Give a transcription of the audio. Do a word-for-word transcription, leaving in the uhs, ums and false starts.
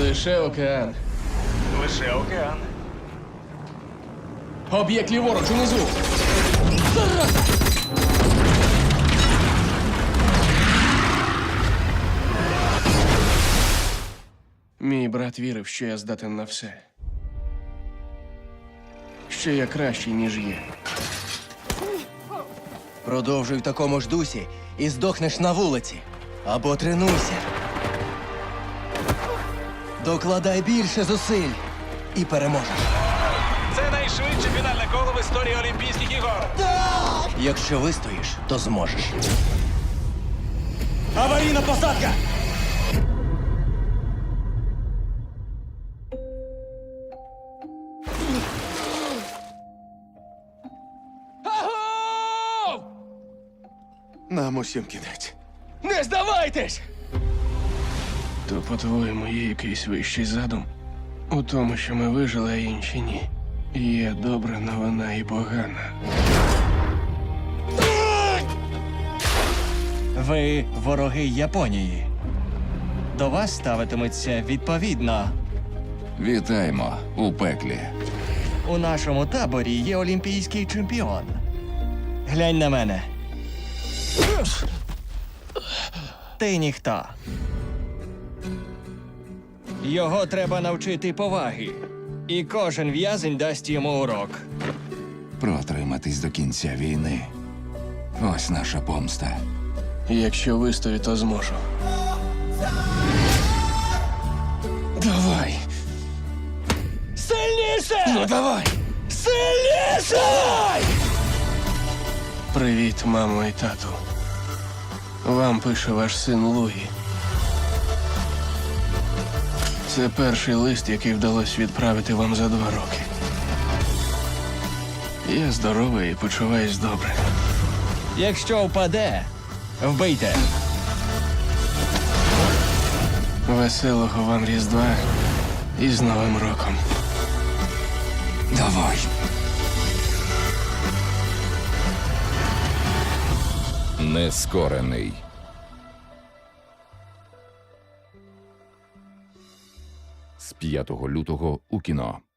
Лише океан. Лише океан. Об'єкт ліворуч, унизу. Мій брат вірив, що я здатен на все. Що я кращий, ніж є. Продовжуй в такому ж дусі і здохнеш на вулиці. Або тренуйся. Докладай більше зусиль і переможеш. Це найшвидше фінальне коло в історії Олімпійських ігор. Якщо вистоїш, то зможеш. Аварійна посадка! Агов! Нам усім кінець. Не здавайтесь! То, по-твоєму, є якийсь вищий задум? У тому, що ми вижили, а інші ні. Є добра новина і погана. Ви вороги Японії. До вас ставитиметься відповідно. Вітаємо у пеклі. У нашому таборі є олімпійський чемпіон. Глянь на мене. Ти ніхто. Його треба навчити поваги. І кожен в'язень дасть йому урок. Протриматись до кінця війни. Ось наша помста. Якщо вистою, то зможу. Давай! Сильніше! Ну давай! Сильніше! Привіт, мамо і тату. Вам пише ваш син Луї. Це перший лист, який вдалося відправити вам за два роки. Я здоровий і почуваюсь добре. Якщо впаде, вбийте. Веселого вам Різдва і з Новим роком. Давай. Нескорений. З п'ятого лютого у кіно.